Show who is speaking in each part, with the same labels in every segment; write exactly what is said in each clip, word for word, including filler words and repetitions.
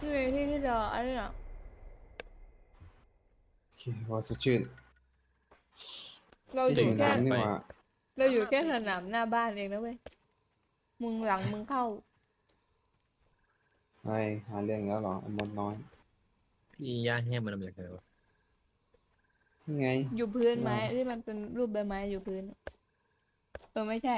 Speaker 1: นี่ไงที่ที่เราอันนี้อ่ะ
Speaker 2: โอเคว่าสดชื่น
Speaker 1: เรา
Speaker 2: ที่
Speaker 1: อยู่แค่
Speaker 2: หิวน้ำนี่
Speaker 3: ไป
Speaker 2: หว่า
Speaker 1: เราอยู่แค่สนามหน้าบ้านเองนะเว้ยมึงหลังมึงเข้า
Speaker 2: ไอ้หาเรื่องแล้วเหรอไอ้มดน้อย
Speaker 3: พี่ย่าแห้งมันมาจากไหนวะ
Speaker 2: นี่ไง
Speaker 1: อยู่พื้นไม้
Speaker 2: ว่า
Speaker 1: ที่มันเป็นรูปใบไม้อยู่พื้นเออไม่ใช่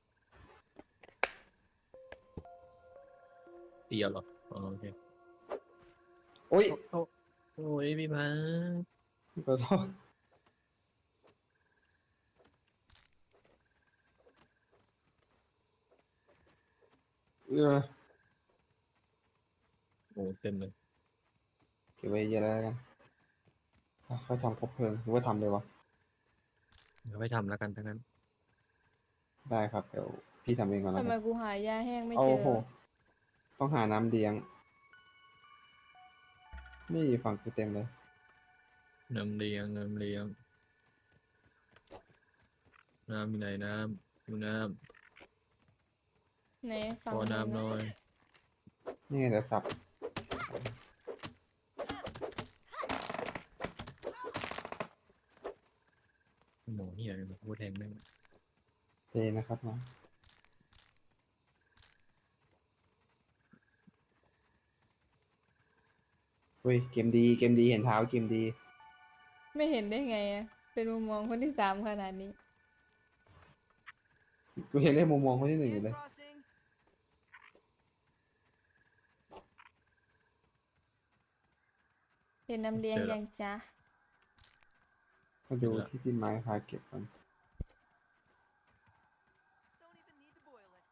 Speaker 3: เตียวเหรออ๋อโอเค
Speaker 2: โอ้ย
Speaker 3: โอ้โอ้ยพี่พัง
Speaker 2: ขอโทษเออ
Speaker 3: โอ้เต็มเลย
Speaker 2: เก็บไว้เยอะแล้วกันอ่ะค่อยทำครบเพลิงหรือว่าทำเลยวะ
Speaker 3: เดี๋ยวไปทำแล้วกันทั้งนั้น
Speaker 2: ได้ครับเดี๋ยวพี่ทำเองก่อนแล้ว
Speaker 1: ทำไม
Speaker 2: กัน
Speaker 1: กูหายาแห้งไม่
Speaker 2: โอ้
Speaker 1: เจอ
Speaker 2: โหต้องหาน้ำเลี้ยงนี่ฝั่งกูเต็มเลย
Speaker 3: น้ำเลี้ยงน้ำเลี้ยงน้ำมีไหนน้ำดูน้
Speaker 1: ไหน
Speaker 3: ำ
Speaker 1: ฝั่
Speaker 3: ขอ
Speaker 1: งมึง
Speaker 3: น้ำหน่อย
Speaker 2: นี่ไงแต่สับ
Speaker 3: หมูเหี้ยเลยพูดแทงแม่ง
Speaker 2: เทนะครับนะเฮ้ยเกมดีเกมดีเห็นเท้าเกมดี
Speaker 1: ไม่เห็นได้ไงอะเป็นมุมมองคนที่สามขนาดนี้
Speaker 2: กูเห็นได้มุมมองคนที่หนึ่งอยู่เลย
Speaker 1: เห็นน้ำเลี้ยง
Speaker 3: เจอแล้ว
Speaker 1: ยังจ้ะ
Speaker 2: มาดูที่ที่ไม้พาเก็บก่อน
Speaker 4: Don't even need to boil it.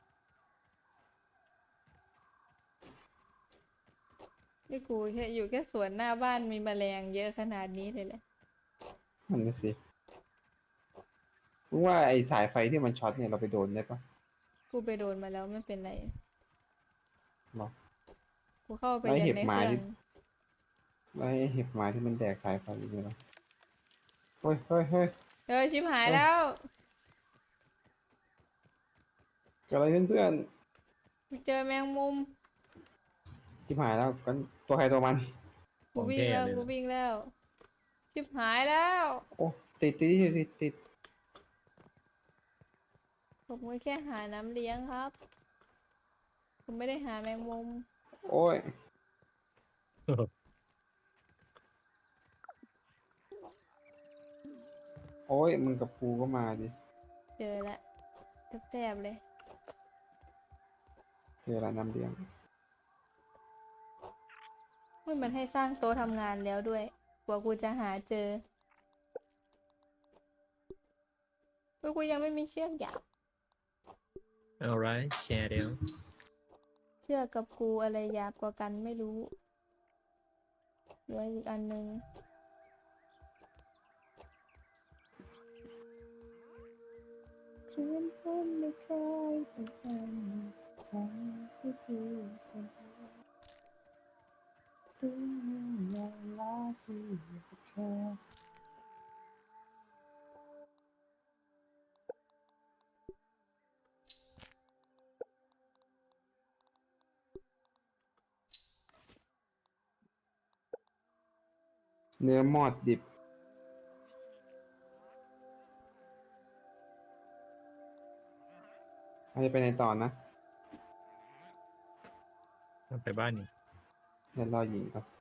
Speaker 1: นี่กูแค่อยู่แค่สวนหน้าบ้านมีแมลงเยอะขนาดนี้เลยแหละ
Speaker 2: นั่นน่ะสิรู้ว่าไอ้สายไฟที่มันช็อตเนี่ยเราไปโดนได้ปะ
Speaker 1: กูไปโดนมาแล้วไม่เป็นไร
Speaker 2: หรอ
Speaker 1: กูเข้าไป
Speaker 2: แล้ว
Speaker 1: ยั
Speaker 2: เห็
Speaker 1: น
Speaker 2: บ
Speaker 1: ใน
Speaker 2: ห
Speaker 1: เค
Speaker 2: มา
Speaker 1: รื่อง
Speaker 2: ที่ แล้วไอ้เห็บหมาที่มันแดกสายไฟอยู่เนี่ยเหรอเฮ้ยเฮ้ยเฮ้ย
Speaker 1: เออชิบหายแล้ว
Speaker 2: เกิดอะไรขึ้นเพื่อน
Speaker 1: กูเจอแมงมุม
Speaker 2: ชิบหายแล้วกันตัวใครตัวมัน
Speaker 1: กูวิ่งแล้วกูวิ่งแล้ว ชิบหายแล้ว
Speaker 2: โอ้ติดติดติดติด
Speaker 1: ผมก็แค่หาน้ำเลี้ยงครับ ผมไม่ได้หาแมงมุม
Speaker 2: โอ้ยโอ้ยมึงกับกูก็มาดิ
Speaker 1: เจอละแสบๆเลย
Speaker 2: เจอละน้ำเลี้ยง
Speaker 1: เฮ้ยมันให้สร้างโต๊ะทำงานแล้วด้วย กว่ากูจะหาเจอเฮ้ยกูยังไม่มีเชือกหยาบ
Speaker 3: เอาไรแชร์เดียว
Speaker 1: เชือกกับกูอะไรหยาบกว่ากันไม่รู้เหลืออีกอันนึง ฉันทำไม่เคยเป็นคนของที่ดีเป็นตัวเวลาที่อยู่กับเธอ
Speaker 2: เนื้อมอดดิบเราจะไปในตอนนะ
Speaker 3: ไปบ้านนี่
Speaker 2: เดี๋ยวรอหญิงครับ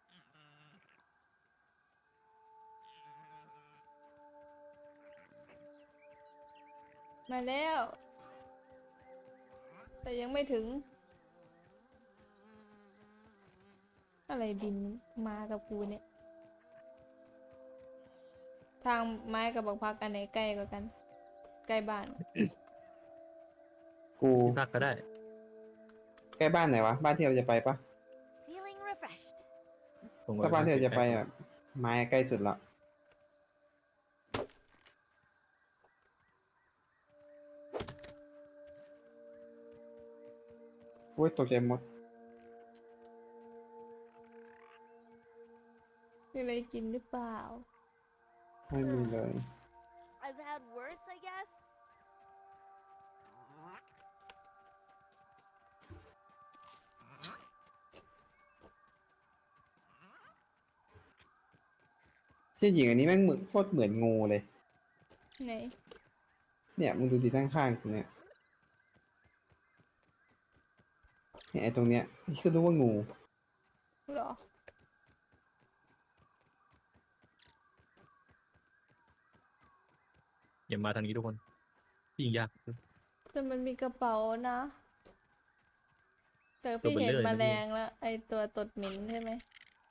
Speaker 1: มาแล้ว แต่ยังไม่ถึง อะไรบินมากับกูเนี่ย ทางไม้กับบักพักอันไหนใกล้กว่ากัน ใกล้บ้าน
Speaker 2: กู
Speaker 3: ที่พักก็ได้
Speaker 2: ใกล้บ้านไหนวะบ้านที่เราจะไปปะ
Speaker 4: Feeling refreshed.
Speaker 3: ผม
Speaker 2: ถ้าบ้านที่เราจะไปอ่ะไม้ใกล้สุดละโอ้ยตกใจหมด
Speaker 1: มีอะไรกินหรือเปล่า
Speaker 2: ไม่มีเลย
Speaker 4: I've had worse, I guess.
Speaker 2: เที่จริงอันนี้แม่งเหมือนโคตรเหมือนงูเลย
Speaker 1: ไหน
Speaker 2: เนี่ยมึงดูดีข้างๆตรงเนี้ยเนี่ยไอ้ตรงเนี้ยนี่คือรู้ว่างู
Speaker 1: เหรอ
Speaker 3: อย่ามาทางนี้ทุกคนยิ่งยาก
Speaker 1: แต่มันมีกระเป๋านะ แต่
Speaker 3: ตัว
Speaker 1: พี่
Speaker 3: เบล
Speaker 1: เห็น
Speaker 3: เลอร์
Speaker 1: แม
Speaker 3: นะ
Speaker 1: ล
Speaker 3: พี่
Speaker 1: งแล้ว ไอตัวตดเหม็นใช่ไหม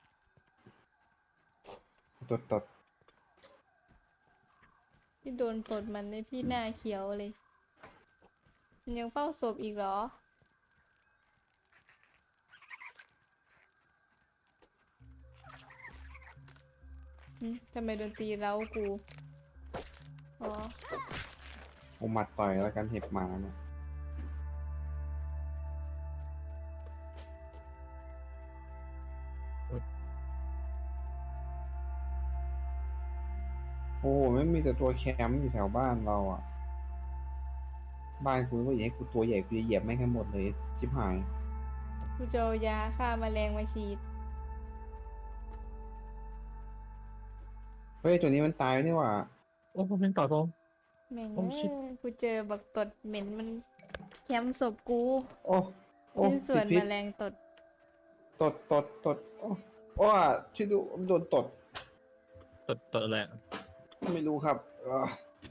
Speaker 2: ตดตด
Speaker 1: พี่โดนตดมันในพี่หน้าเขียวเลยมันยังเฝ้าศพอีกเหรอหึทำไมดนตรีเร้ากู อ๋อ
Speaker 2: เอาหมัดต่อยแล้วกันเห็บหมาเนี่ยโอ้โหไม่มีแต่ตัวแคมป์อยู่แถวบ้านเราอ่ะ บ้านกูก็อย่างให้กูตัวใหญ่กูจะเหยียบไม่งให้หมดเลยชิบหาย
Speaker 1: กูจะเอายาฆ่าแมลงมาฉีด
Speaker 2: เฮ้ยตัวนี้มันตายนี่หว่า
Speaker 3: โอ้ผมเป็นต่อยผม
Speaker 1: แม่ง
Speaker 3: โอ้
Speaker 1: เอ้
Speaker 3: ชิบ
Speaker 1: ยกูเจอบักตดเหม็นมันแคมศพกู
Speaker 2: โอ้โอ้
Speaker 1: เป็นส่วน
Speaker 2: พิ
Speaker 1: แม
Speaker 2: ษ
Speaker 1: ลงตด
Speaker 2: ตดตดตดโอ้โอ้อะช่วยดูโดนตด
Speaker 3: ตดตดอะไรอะ
Speaker 2: ไม่รู้ครับเออ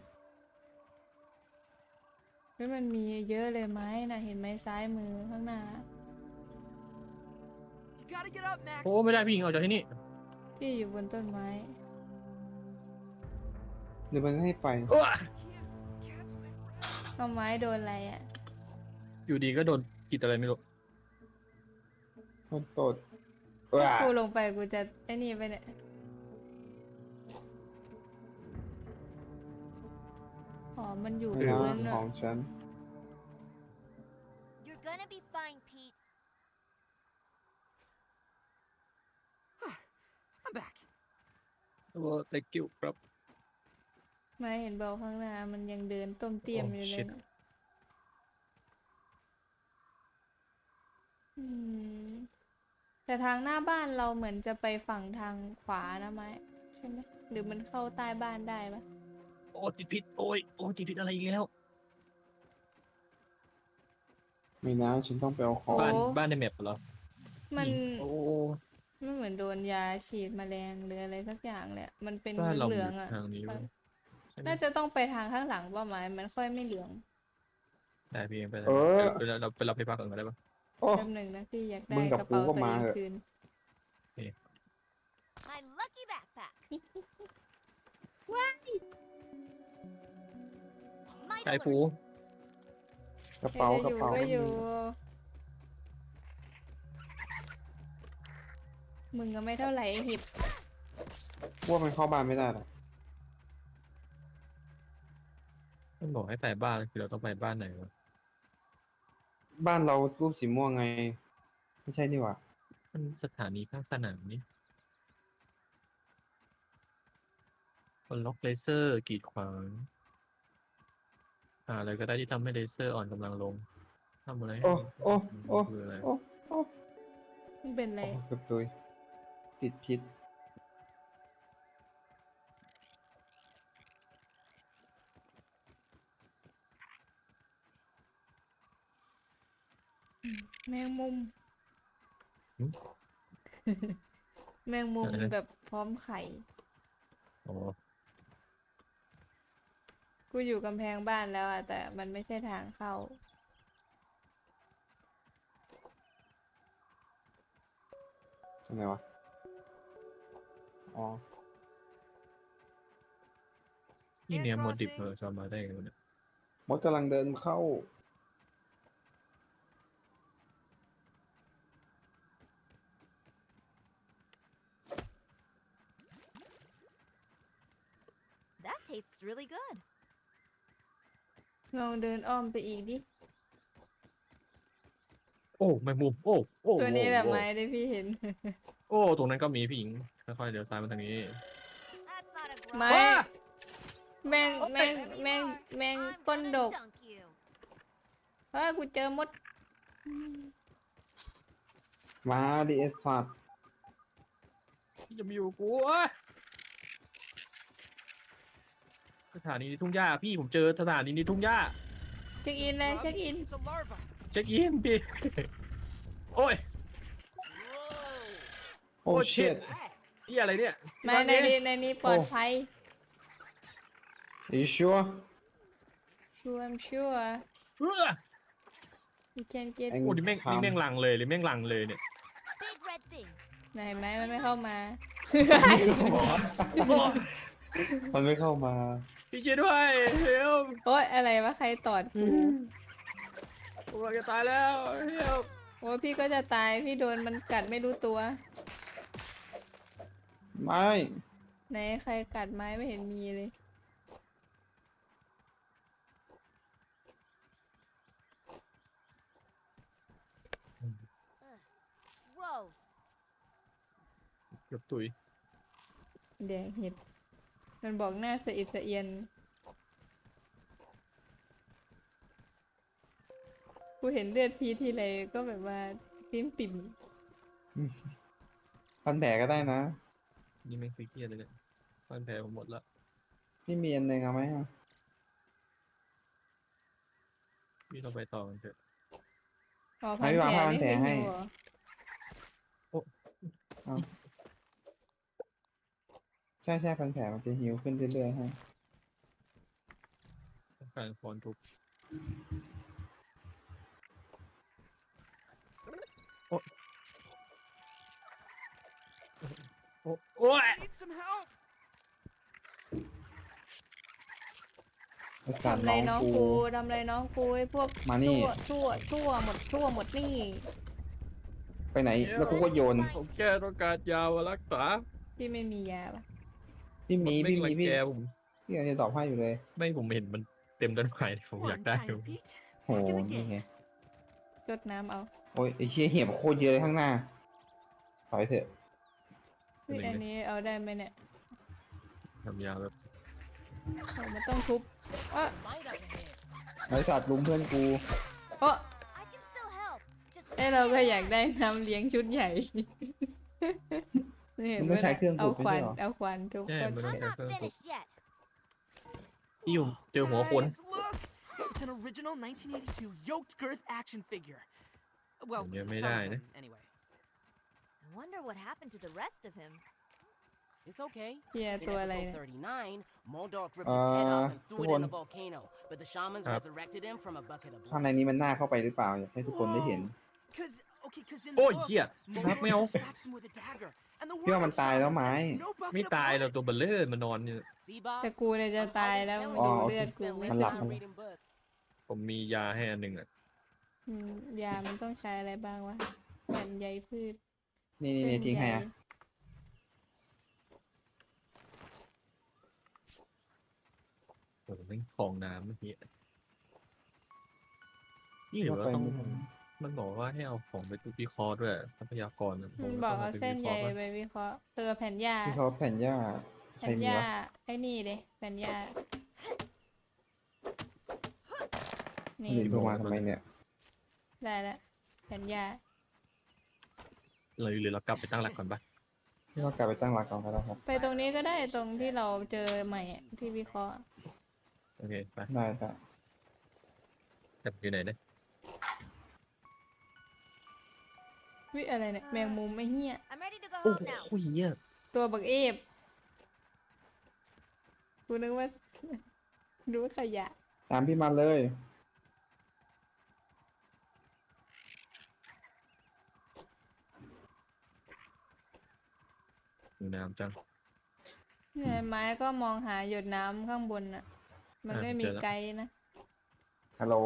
Speaker 1: เฮ้ยมันมีเยอะเลยไหมนะเห็นไหมซ้ายมือข้างหน้า
Speaker 4: You gotta get up, Max.
Speaker 3: โอ้ไม่ได้พี่หญิงออกจากที่นี่
Speaker 1: ที่อยู่บนต้นไม้
Speaker 2: หรือมันให้ไป
Speaker 3: โอ้
Speaker 4: I can't catch my breath.
Speaker 1: เอาไม้โดนอะไรอ่ะ
Speaker 3: อยู่ดีก็โดนกิดอะไรไม่รู้
Speaker 2: โดนตดเออ
Speaker 1: ถ้ากูลงไปกูจะไอ้นี่ไปเนี่ย อ๋อ มันอยู่
Speaker 2: ไม่
Speaker 1: พื้
Speaker 2: นะ
Speaker 1: น
Speaker 2: ข
Speaker 1: อะ
Speaker 2: องฉัน
Speaker 4: You're gonna be fine, Pete. I'm back.
Speaker 3: โอ้ thank you ครับ
Speaker 1: ไม่เห็นเบาข้างหน้า มันยังเดินต้มเตี้ยม
Speaker 3: Oh,
Speaker 1: อยู่เลย
Speaker 3: shit.
Speaker 1: นะอืม แต่ทางหน้าบ้านเราเหมือนจะไปฝั่งทางขวานะไม้ใช่ไหมหรือมันเข้าใต้บ้านได้ปะ
Speaker 3: โอ้ติดพิษโอ้ยโอ้ติดพิษอะไรอีกแล้ว
Speaker 2: ไม่นะฉันต้องไปเอาของ
Speaker 3: บ้านบ้านในแมปเหรอ
Speaker 1: มัน
Speaker 3: โอ้
Speaker 1: มันเหมือนโดนยาฉีดแมลงหรืออะไรสักอย่างเลยอะมันเป็น
Speaker 3: บ้านเรา
Speaker 1: เห
Speaker 3: อ
Speaker 1: ลือง
Speaker 3: ยู่
Speaker 1: ๆอ่ะ
Speaker 3: ทางนี้เว้ยใช่ไหม
Speaker 1: น่าจะต้องไปทางข้างหลังป่ะไม้มันค่อยไม่เหลือง
Speaker 3: ได้พี่เองไป
Speaker 2: เออ
Speaker 3: ไปเราเราไปรับไปพักก่อนก็ได้ปะ
Speaker 2: โอ้
Speaker 1: แป๊บหนึ่งนะพี่อยากได้
Speaker 2: มึงกับ
Speaker 1: กระเป๋า
Speaker 2: กูก็
Speaker 1: ตัว
Speaker 2: มา
Speaker 1: เอง
Speaker 2: เถอะ
Speaker 1: คืน
Speaker 4: My lucky backpack. My
Speaker 3: ไอ้ฟู
Speaker 4: alert.
Speaker 2: กระเป๋า
Speaker 1: ใคร
Speaker 2: ก
Speaker 1: จะ
Speaker 2: ระ
Speaker 1: อยู่
Speaker 2: เป๋า
Speaker 1: ก็อยู่ มึงก็ไม่เท่าไหร่ไอ้หิบ
Speaker 2: ว่ามันเข้าบ้านไม่ได้หรอก
Speaker 3: มันบอกให้ไปบ้านคือเราต้องไปบ้านไหนวะ
Speaker 2: บ้านเรารูปสีม่วงไง ไม่ใช่นี่หว่า
Speaker 3: มันสถานีภาคสนามนี่คนล็อกเลเซอร์กีดขวางอ่าอะไรก็ได้ที่ทำให้เลเซอร์อ่อนกำลังลงทำอะไรให้
Speaker 2: โอ้โอ้โอ้
Speaker 3: คืออะไร
Speaker 2: โอ้โอ้
Speaker 1: มันเป็นอะไร
Speaker 2: โอ้เกือบตุยติดพิษ
Speaker 1: แมงมุม แมงมุมแบบพร้อมไข่
Speaker 3: อ๋อ
Speaker 1: กูอยู่กำแพงบ้านแล้วอะแต่มันไม่ใช่ทางเข้า
Speaker 2: ทำไงวะ อ๋อ
Speaker 3: นี่เนี่ยโมดิฟเออจะมาได้ไงวะเนี่ย
Speaker 2: มดกำลังเดินเข้า
Speaker 4: That tastes really good.
Speaker 1: ลองเดินอ้อมไปอีกดิ
Speaker 3: โอ้แมงมุมโอ้โอ้
Speaker 1: ตัวนี้แหละ
Speaker 3: โอ้
Speaker 1: ไม้ที่พี่เห็น
Speaker 3: โอ้ตรงนั้นก็มีพี่หญิงค่อยๆเดี๋ยวซ้ายมาทางนี้
Speaker 4: That's not a
Speaker 1: ไม้
Speaker 4: grind.
Speaker 1: แมงแมงแมงแมง
Speaker 4: I'm
Speaker 1: ก้น
Speaker 4: gonna
Speaker 1: ดก
Speaker 4: dunk you.
Speaker 1: เฮ้ยกูเจอมด
Speaker 2: มาดิเอสสัตว์
Speaker 3: ที่จะมาอยู่กูเอ้ยสถานีในทุ่งหญ้าพี่ผมเจอสถานีในทุ่งหญ้า
Speaker 1: เช็คอินเลยเช็คอิน
Speaker 4: It's a larva.
Speaker 3: เช็คอินพี่ โอ้ย
Speaker 2: โอ้
Speaker 3: โอ้
Speaker 2: เชิด
Speaker 3: shit นี่อะไรเนี่ย
Speaker 1: มาในนี้ในนี้ปลอดภัย
Speaker 2: Are you sure
Speaker 1: sure I'm sure
Speaker 3: เออ
Speaker 1: you can get
Speaker 2: ไอ้
Speaker 3: โอ้นี่แม่งนี่แม่งลังเลยหรือแม่งลังเลยเนี่ย
Speaker 4: Big red thing.
Speaker 1: ไหนไหมมันไม่เข้ามา
Speaker 3: โอ้
Speaker 2: มันไม่เข้ามา
Speaker 3: พี่ช่วยด้วยเฮล
Speaker 1: โอ๊ยอะไรวะใครตอดกู
Speaker 3: ผมกำลังจะตายแล้วเฮล
Speaker 1: โอ้ยพี่ก็จะตายพี่โดนมันกัดไม่รู้ตัว
Speaker 2: ไม่
Speaker 1: ไหนใครกัดไม้ไม่เห็นมีเลย
Speaker 4: Gross.
Speaker 3: เกือบตุย
Speaker 1: แดงเห็ดมันบอกหน้าสะอิดสะเอียนกูเห็นเลือดพีทีไรก็แบบว่าปิ้มปิ่ม
Speaker 2: พันแผลก็ได้นะ
Speaker 3: นี่แม่งซีเรียสเลยเนี่ยฟันแผลผมหมดละ
Speaker 2: พี่มีอันหนึ่งเอาไหมอะ
Speaker 3: พี่ต้องไปต่อกันเถอะ
Speaker 1: อ๋อพันแผลนี่คือหิวเหรอ
Speaker 2: ใช่ใช่พันแผลมันจะหิวขึ้นเรื่อยๆฮะ
Speaker 3: ต้องการฟอนทุบโอ้โอ้โอ้ย
Speaker 4: Need some help.
Speaker 2: ไอ้สัตว์
Speaker 1: ทำไร
Speaker 2: น้
Speaker 1: น้
Speaker 2: อ
Speaker 1: อง ง
Speaker 2: กู
Speaker 1: กูทำไรน้องกูไอ้พวก
Speaker 2: มานี่
Speaker 1: ชั่วชั่วชั่วหมดชั่วหมดนี่
Speaker 2: ไปไหน แล้วกูก็โยน
Speaker 3: ผมแค่ต้องการยามารักษา
Speaker 1: พี่ไม่มียาปะ
Speaker 2: พี่มี
Speaker 3: น
Speaker 2: พี่
Speaker 3: ไรั
Speaker 2: มี
Speaker 3: ง
Speaker 2: พี่
Speaker 3: แกผม
Speaker 2: พี่กำลังจะตอบให้อยู่เลย
Speaker 3: ไม่ผมเห็นมันเต็มด้านไม้ผมอยาก
Speaker 4: One
Speaker 3: ได้
Speaker 4: time, Pete.
Speaker 2: โห
Speaker 4: Back in the
Speaker 2: นี่ไง
Speaker 4: game.
Speaker 1: จดน้ำเอา
Speaker 2: โอ้ยไอ้เชี่ยเหี่ยมโคตรเยอะเลยข้างหน้าถอยเถอะ
Speaker 1: เฮ้ยอันนี้เอาได้ไหมเนี่ย
Speaker 3: ทำยาแบบ
Speaker 1: โอ้มันต้องทุบอ่ะ
Speaker 4: Light up ahead.
Speaker 2: ไอ้สัตว์ลุมเพื่อนกู
Speaker 1: โอ้
Speaker 4: I can still help. Just
Speaker 1: เอ้ยเราก็อยากได้น้ำเลี้ยงชุดใหญ่ นี่เห็น
Speaker 2: มัน
Speaker 1: ไหม
Speaker 2: ต้องใช้เครื่อง
Speaker 1: เอา
Speaker 2: ดูด
Speaker 1: ขวาน
Speaker 2: ไม่ใช่เหรอ
Speaker 1: เอาขวานทุบ
Speaker 3: ใช่
Speaker 1: ก็
Speaker 3: มันต้อง
Speaker 4: I'm
Speaker 3: ใช้
Speaker 4: not
Speaker 3: เครื่องทุบ
Speaker 4: finished yet.
Speaker 3: พี่อยู่เจอหัวคน
Speaker 5: Guys, look! It's an original nineteen eighty-two yoked girth action figure. Well,
Speaker 3: Yeah,
Speaker 5: some
Speaker 3: may
Speaker 5: of
Speaker 3: die,
Speaker 5: them, anyway.
Speaker 4: I wonder what happened to the rest of him.
Speaker 5: It's okay.
Speaker 1: เฮีย
Speaker 5: In
Speaker 1: ตัวอะไร
Speaker 5: episode
Speaker 1: เนี่ย
Speaker 5: thirty-nine, Moldork ripped his head off and threw it in the
Speaker 2: Tuan.
Speaker 5: volcano, but the shamans
Speaker 3: Ah.
Speaker 5: resurrected him from a bucket of
Speaker 2: ข้างใน
Speaker 5: blood.
Speaker 2: นี้มันน่าเข้าไปหรือเปล่าอยากให้ทุกคนได้เห็น
Speaker 5: Cause, okay, cause in
Speaker 3: โอ้
Speaker 5: the
Speaker 3: ย
Speaker 5: books,
Speaker 3: เหี้ย
Speaker 5: Moldork
Speaker 3: ไม่เอา
Speaker 5: just scratched him with a dagger, and the
Speaker 2: พี่ว่า
Speaker 5: word
Speaker 2: มัน
Speaker 5: of
Speaker 2: ตายแล้ว
Speaker 5: shamans
Speaker 2: ไหม
Speaker 5: meant no bucket
Speaker 3: ไม่
Speaker 5: of
Speaker 3: ตายเรา
Speaker 5: blood.
Speaker 3: ตัวเบลเลอร์มานอนอยู่
Speaker 5: See, Bob?
Speaker 1: แต่กูเนี่ยจะตายแล้ว
Speaker 2: อ๋อ
Speaker 1: ดู
Speaker 2: โอเค
Speaker 1: เลือดกู
Speaker 5: Spent
Speaker 1: ไม่
Speaker 5: less
Speaker 2: หลับ
Speaker 1: สึก
Speaker 5: time reading books.
Speaker 3: ผมมียาให้อันหนึ่งอ่ะ
Speaker 1: อืมยามันต้องใช้อะไรบ้างวะแผ่นใยพืช
Speaker 2: นี่นี่
Speaker 1: เส้
Speaker 2: นี่
Speaker 1: น
Speaker 2: ทิ้งให้
Speaker 1: ใย
Speaker 2: อ่ะ
Speaker 3: ผมเล่นคลองน้ำเมื่อกี้นี่หรือว่าต้องมันบอกว่าให้เอาของไปตุวิเคราะห์ด้วยทรัพยากระผ
Speaker 1: มัน
Speaker 3: ม
Speaker 1: บอก
Speaker 3: ต้
Speaker 1: เอา
Speaker 3: งไป
Speaker 1: เส้นใย
Speaker 3: วิคราะห์
Speaker 1: ไปวิเคราะห์เตอแผ่นหญ้า
Speaker 2: ที่เขาแผ่นหญ้าใคร
Speaker 1: แผ่น
Speaker 2: มี
Speaker 1: หญ้าว
Speaker 2: ะ
Speaker 1: ไอ้นี่เลยแผ่นหญ้า นี่
Speaker 2: หลินโทรมาทำไมเนี่ย
Speaker 1: ได้แล้วแผ่นหญ้า
Speaker 3: เลยหรือเรากลับไปตั้งหลักก่อนปะ
Speaker 2: ที่เรากลับไปตั้งหลักก่อนก็ได้ครับ
Speaker 1: ไปตรงนี้ก็ได้ตรงที่เราเจอใหม่อะที่วิเคราะห์
Speaker 3: โอเคไป
Speaker 2: ได้ได้
Speaker 3: แต่อยู่ไหนเนี่ย
Speaker 1: วิอะไรเนี่ยแมงมุมไอ้เหี้ย
Speaker 4: I'm ready to go
Speaker 3: โอ้
Speaker 4: home now.
Speaker 3: โหเหี้ย
Speaker 1: ตัวบักเอฟกูนึกว่า ดูว่าขยะ
Speaker 2: ตามพี่มาเลย
Speaker 3: อยู่น้ำจัง
Speaker 1: เนี่ยไม้ก็มองหาหยดน้ำข้างบนน่ะ มัน
Speaker 3: อ่ะ
Speaker 1: ไม่มี
Speaker 3: เจอแล้ว
Speaker 1: ไกด์นะ
Speaker 2: ฮัลโหล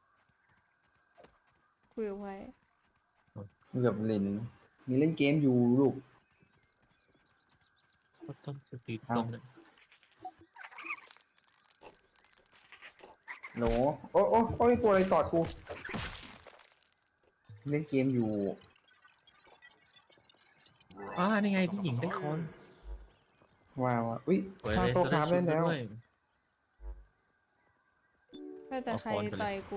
Speaker 1: คุยกับไว้
Speaker 2: เกือบลิน มีเล่นเกมอยู่ลูก
Speaker 3: ก็ต้นสตี
Speaker 2: เอ้า
Speaker 3: ต้นเนี่ย
Speaker 2: โหลโอ้โอ้โอ้ยตัวอะไรตอดกู เล่นเกมอยู่
Speaker 3: อ่านี่ไงพี่หญิงได้คอน
Speaker 2: ว้าวอ่ะอุ้ย
Speaker 3: สวย
Speaker 2: ข้า
Speaker 3: เลย
Speaker 2: โต๊ะคราฟ
Speaker 3: ชุ
Speaker 2: ได้
Speaker 3: ด
Speaker 2: แล้ว
Speaker 3: ด้วย
Speaker 1: ก็แต่
Speaker 3: เอา
Speaker 1: ใคร
Speaker 3: ค้อนไปเลย
Speaker 1: ต่อยกู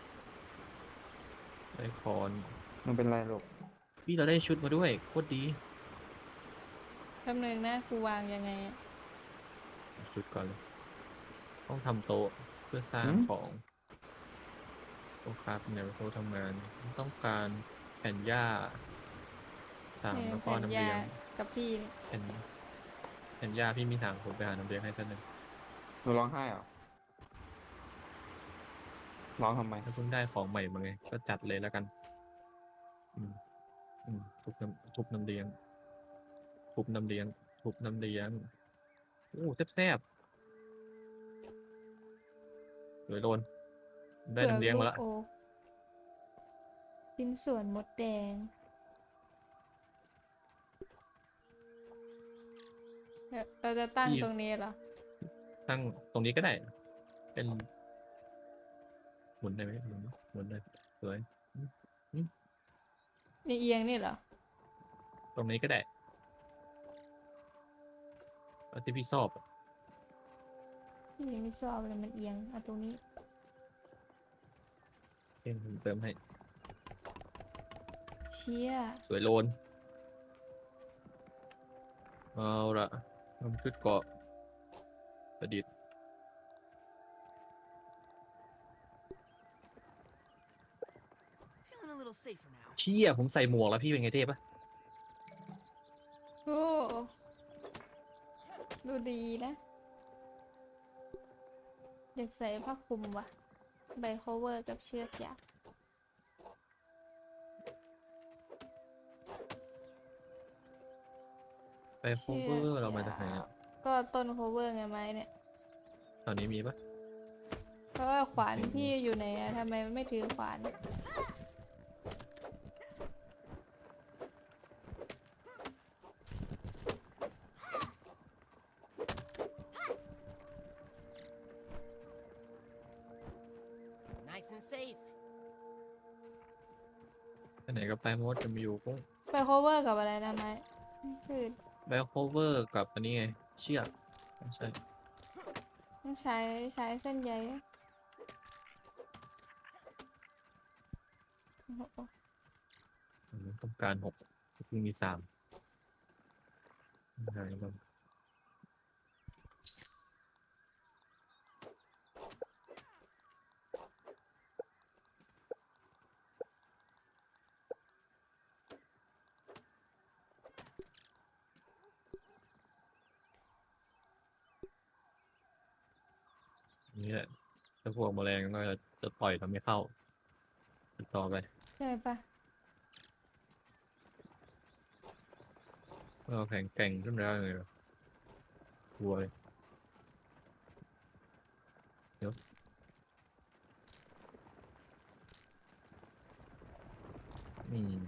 Speaker 3: ได้คอน
Speaker 2: มันเป็นไรลูก
Speaker 3: พี่เราได้ชุดมาด้วยโคตรดี
Speaker 1: แป๊บนึงนะกูวางยังไงอะ
Speaker 3: ชุดก่อนเลยต้องทำโต๊ะเพื่อสร้าง
Speaker 2: หืม
Speaker 3: ของโต๊ะครับเนี่ยโต๊ะทำงาน ต้องการแผ่นหญ้าสาม
Speaker 1: เนี่ย
Speaker 3: แล้วก็
Speaker 1: แผ่น
Speaker 3: น้ำ
Speaker 1: ยา
Speaker 3: เลี้ยง
Speaker 1: กับพี่นี่
Speaker 3: แผ่นแผ่นหญ้าพี่มีถังผมไปหาน้ำเลี้ยงให้ท่านหนึ่ง
Speaker 2: หนูร้องไห้เหรอร้องทำไม
Speaker 3: ถ้าเพิ่งได้ของใหม่มาไง ก็จัดเลยแล้วกัน อืมอืมทุบน้ำทุบน้ำเลี้ยง ทุบน้ำเลี้ยง ทุบน้ำเลี้ยงโอ้แซ่บๆสวยโดน ได้น้ำเลี้ยงมาละ
Speaker 1: โอ๊กชิ้นส่วนมดแดงเดี๋ยวเราจะตั้ง
Speaker 3: พี่
Speaker 1: ตรงนี้เหรอ
Speaker 3: ตั้งตรงนี้ก็ได้ เป็น หมุนได้ไหมหมุนหมุนได้สวย
Speaker 1: นี่เอียงนี่เหรอ
Speaker 3: ตรงนี้ก็ได้เอาที่พี่ชอบอะ
Speaker 1: พี่ยังไม่ชอบเลยมันเอียงเอาตรงนี้
Speaker 3: เองผมเติมให้
Speaker 1: เชี่ย
Speaker 3: สวยโลน เอาละทำชุดเกราะประดิษฐ์
Speaker 5: Feeling a little safer now.
Speaker 3: เชี่ยผมใส่หมวกแล้วพี่เป็นไงเทพปะ
Speaker 1: โอ้ดูดีนะอยากใส่ผ้าคลุมว่ะใบโคเวอร์กับเชือกยาว
Speaker 3: ไปโคเวอร์เรามาจากไหนอ่ะ
Speaker 1: ก็ต้นโคเวอร์ไงไม้เนี่ย
Speaker 3: ตอนนี้มีปะ
Speaker 1: เพราะว่าขวานพี่อยู่ไหนอะทำไมไม่ถือขวาน
Speaker 5: Nice and safe.
Speaker 3: ไปไหนก็ไปมดจะมาอยู่ก็
Speaker 1: ไปโคเวอร์กับอะไรนะไม้คือ
Speaker 3: ไปโคเวอร์กับอันนี้ไง เชือกไม่ใช่
Speaker 1: ต้องใช้ใช้เส้นใยอะโอ้โห
Speaker 3: อืมต้องการหกเพิ่งมีสามไหนบ้างนี่แหละถ้าพวกแมลงก็จะจะต่อยทำไม่เข้าติดต่อไป
Speaker 1: ใช่ปะ
Speaker 3: เราแข็งแกร่งขึ้นแล้วเลยเหรอกลัวเลยเดี๋ยวอืม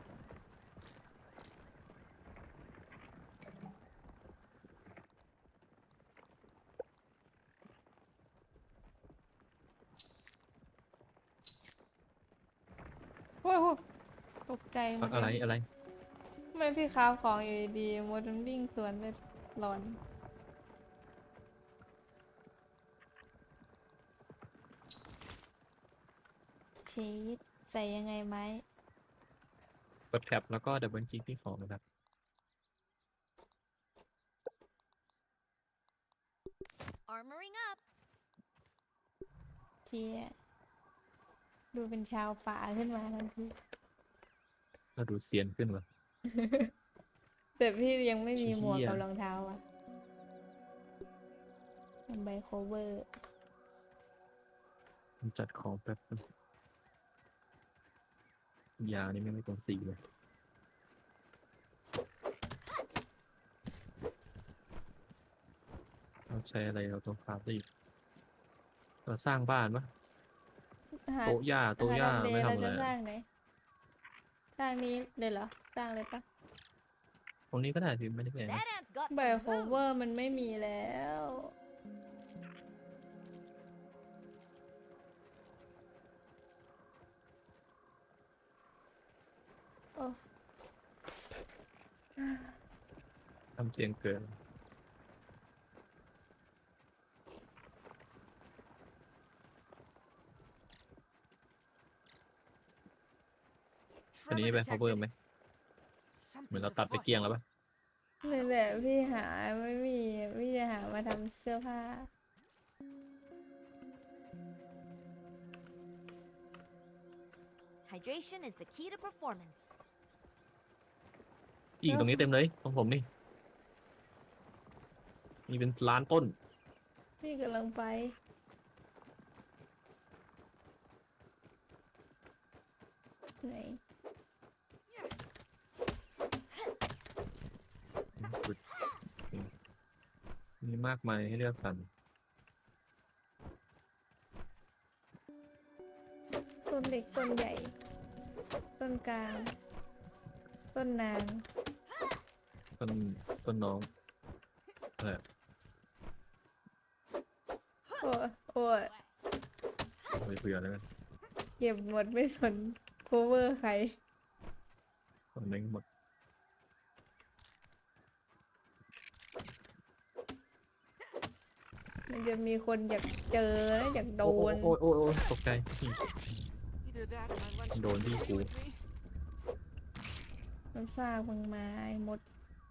Speaker 1: โอ้โหตกใจหม
Speaker 3: อะ
Speaker 1: ด
Speaker 3: อะไร
Speaker 1: เลย
Speaker 3: อะไร
Speaker 1: ทำไมพี่ค้าของอยู่ดีๆมดมันวิ่งสวนเลยหลอนชีสใส่ยังไงไหม
Speaker 3: กดแท็บแล้วก็ดับเบิลคลิกที่ของนะครับ
Speaker 4: Armoring up.
Speaker 1: เที่ยดูเป็นชาวป่าขึ้นมาทันที
Speaker 3: ก็ดูเซียนขึ้นว่ะ
Speaker 1: แต่พี่ยังไม่มีหมวก
Speaker 3: เชี่ย
Speaker 1: กับรองเท้าอ่ะทำใบโคเวอร์
Speaker 3: ผมจัดของแป๊บนึงยานี่ไม่ไม่ตรงสีเลย เราใช้อะไรเราต้องคราฟได้อีกเราสร้างบ้านปะ
Speaker 1: หา
Speaker 3: โต๊ะหญ้าโต๊ะหญ้า
Speaker 1: หาทำเล
Speaker 3: ไม่
Speaker 1: เรา
Speaker 3: ทำอะไร
Speaker 1: จะสร้า
Speaker 3: อะ
Speaker 1: งไหนสร้างนี้เลยเหรอ สร้างเลยปะ
Speaker 3: ตรงนี้ก็ได้พี่ไม่ได้เป็นไร
Speaker 4: That ant's got
Speaker 1: ใบ
Speaker 4: some
Speaker 1: โคเวอ
Speaker 4: moves.
Speaker 1: ร์มันไม่มีแล้วโอ้
Speaker 3: ทำเตียงเกิน อันนี้
Speaker 5: Trevor
Speaker 3: ไป cover
Speaker 5: detected
Speaker 3: ไหม เหมือนเรา
Speaker 5: something's
Speaker 3: ตัดไป
Speaker 5: afoot.
Speaker 3: เกลี้ยงแล้วปะ
Speaker 1: นี่แหละพี่หาไม่มีพี่จะหามาทำเสื้อผ้า
Speaker 4: Hydration is the key to performance.
Speaker 3: อีกตรงนี้เต็มเลยของผมนี่มีเป็นล้านต้น
Speaker 1: พี่กำลังไปไหน
Speaker 3: อืมมีมากมายให้เลือกสรร
Speaker 1: ต้นเล็กต้นใหญ่ ต้นกลาง ต้นนาง
Speaker 3: ต้นต้นน้องอะไรอะ
Speaker 1: โอ้ยโอ้ย
Speaker 3: เอาไปเผื่อแล้วกัน
Speaker 1: เก็บหมดไม่สน cover ใคร
Speaker 3: ต้นเล้งหมด
Speaker 1: มันจะมีคนอยากเจอนะอยากโด
Speaker 3: โอ้
Speaker 1: น
Speaker 3: โอ้โอ้โอ้ยตกใจ
Speaker 5: Either that or my lunch
Speaker 3: Don't be
Speaker 5: will
Speaker 3: cool.
Speaker 5: with me.
Speaker 1: มันซากมึงมาไอ้มด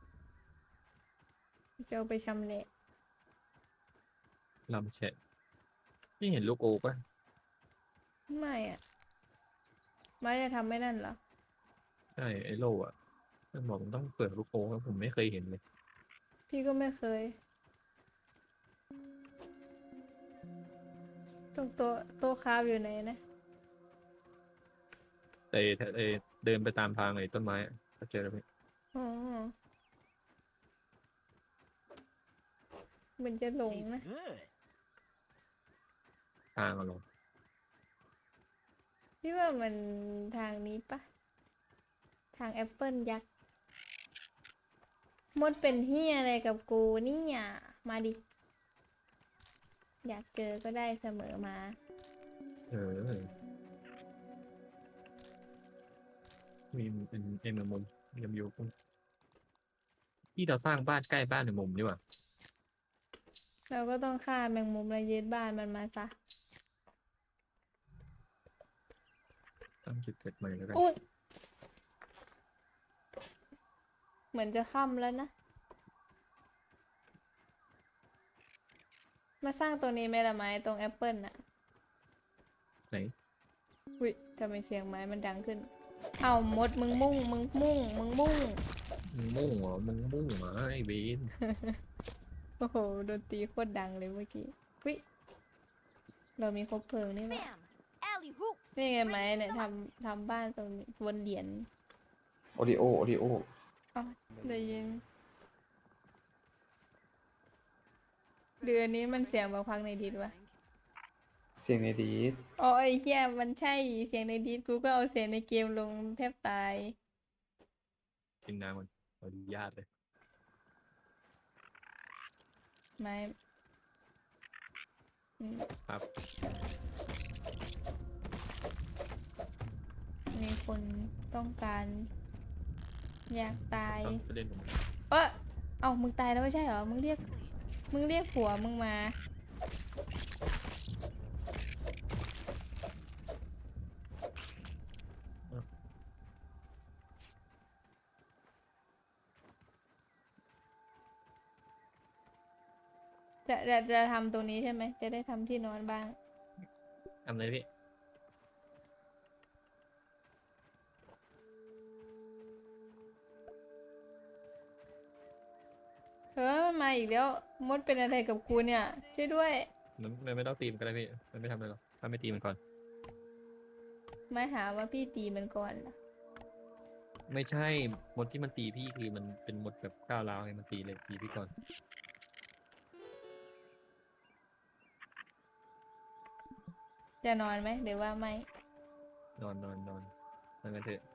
Speaker 1: จะเอาไปชำแหละ
Speaker 3: ลำแฉะนี่เห็นลูกโอ๊กป่ะ
Speaker 1: ไม่อะไม่จะทำไม่นั่นเหรอ
Speaker 3: ใช่ไอ้โล่อะมันบอกมันต้องเปิดลูกโอ๊กแล้วผมไม่เคยเห็นเลย
Speaker 1: พี่ก็ไม่เคย ตรงโต๊ะโต๊ะคราฟอยู่ไหนนะ
Speaker 3: แต่ไอ้เดินไปตามทางไอ้ต้นไม้อะก็เจอแล้วพี่
Speaker 1: อ๋อ มันจะหลง
Speaker 5: Tastes
Speaker 1: นะ
Speaker 5: good.
Speaker 3: ทางอะเหรอ
Speaker 1: พี่ว่ามันทางนี้ปะ ทางแอปเปิลยักษ์ มดเป็นเฮียอะไรกับกูนี่อ่ะ มาดิ อยากเจอก็ได้เสมอมา
Speaker 3: เออ มีเป็นเอ็มมุมยำยูกุ้งที่เราสร้างบ้านใกล้บ้านในมุมนี่หว่า
Speaker 1: เราก็ต้องฆ่าแมงมุมและยึดบ้านมันมาซะ
Speaker 3: ตั้งจุดเกิดใหม่แล้วกัน
Speaker 1: อุ๊ยเหมือนจะค่ำแล้วนะ มาสร้างตัวนี้ไหมล่ะไม้ตรงแอปเปิลน่ะ
Speaker 3: ไหน
Speaker 1: วิทำไมเสียงไม้มันดังขึ้น เอามดมึงมุ่ง มึงมุ่ง มึงมุ่ง
Speaker 3: มึงมุ่งเหรอมึงมุ่งเหรอไอ้เบน
Speaker 1: โอ้โหดนตรีโคตรดังเลยเมื่อกี้วิเรามีครบเพลิงนี่ไหม
Speaker 4: Bam! Alley hoops.
Speaker 1: นี่ไงไหม
Speaker 4: Right in
Speaker 1: เนี่ย
Speaker 4: the
Speaker 1: ท
Speaker 4: left.
Speaker 1: ำทำบ้านตรงนี้บนเหรียญ
Speaker 2: โอริโอโอริโอ
Speaker 1: อ๋อได้ยินเดือนนี้มันเสียงบางพักในดิสวะ
Speaker 2: เสียงในดีด
Speaker 1: อ๋อไอ้เหี้ยมันใช่เสียงในดิสกูก็เอาเสียงในเกมลงแทบตาย
Speaker 3: กินน้ำมันขออนุญาตเลย
Speaker 1: ไม่อืม
Speaker 3: ครับ
Speaker 1: มีคนต้องการอยากตาย
Speaker 3: ต้องไปเล่นผม
Speaker 1: เออเอ้ามึงตายแล้วไม่ใช่เหรอ มึงเรียก มึงเรียกผัวมึงมา จะจะจะทำตรงนี้ใช่ไหม จะได้ทำที่นอนบ้าง
Speaker 3: ทำเลยพี่
Speaker 1: เฮ้ยมันมาอีกแล้ว มดเป็นอะไรกับกูเนี่ย ช่วยด้วย
Speaker 3: มันมันไม่ต้องตีมันก็ได้พี่ มันไม่ทำอะไรหรอก ถ้าไม่ตีมันก่อน
Speaker 1: ไม่หาว่าพี่ตีมันก่อนเหรอ
Speaker 3: ไม่ใช่ มดที่มันตีพี่คือมันเป็นมดแบบก้าวร้าวไงมันตีเลยตีพี่ก่อน
Speaker 1: จะนอนไหมหรือว่าไม่
Speaker 3: นอนนอนนอนนั่นกันเถอะ